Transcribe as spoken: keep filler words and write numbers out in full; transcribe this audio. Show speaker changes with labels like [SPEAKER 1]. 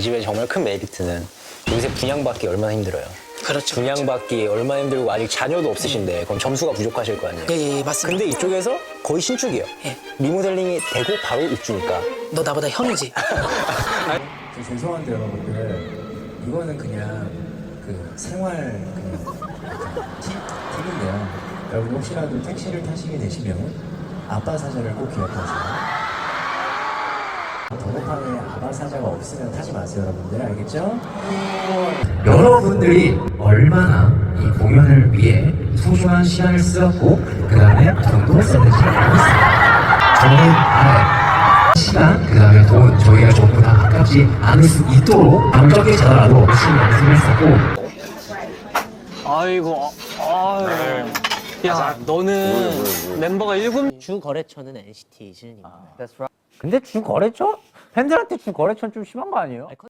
[SPEAKER 1] 이 집의 정말 큰 메리트는 요새 분양받기 얼마나 힘들어요.
[SPEAKER 2] 그렇죠.
[SPEAKER 1] 분양받기 얼마나 힘들고 아직 자녀도 없으시는데 그럼 점수가 부족하실 거 아니에요.
[SPEAKER 2] 예, 예, 맞습니다.
[SPEAKER 1] 근데 이쪽에서 거의 신축이에요.
[SPEAKER 2] 예.
[SPEAKER 1] 리모델링이 되고 바로 입주니까.
[SPEAKER 2] 너 나보다 형이지.
[SPEAKER 3] 저 죄송한데 여러분들 이거는 그냥 그 생활 그냥 팁, 팁인데요. 여러분 혹시라도 택시를 타시게 되시면 아빠 사자를 꼭 기억하세요. 번호판에 아빠 사자가 없으면 타지 마세요, 여러분들. 알겠죠? 여러분들이 얼마나 이 공연을 위해 소중한 시간을 쓰었고 그 다음에 돈도 썼는지 알고 있습니다. 저는 알아요. 시간, 그 다음에 돈, 저희가 전부 다 아깝지 않을 수 있도록 밤적게 자더라도 열심히 연습을 했었고.
[SPEAKER 4] 아이고, 아유. 야, 너는 멤버가 일곱
[SPEAKER 5] 주 거래처는 엔시티 시즌입니다.
[SPEAKER 6] 근데 주 거래처? 팬들한테 주 거래처는 좀 심한 거 아니에요?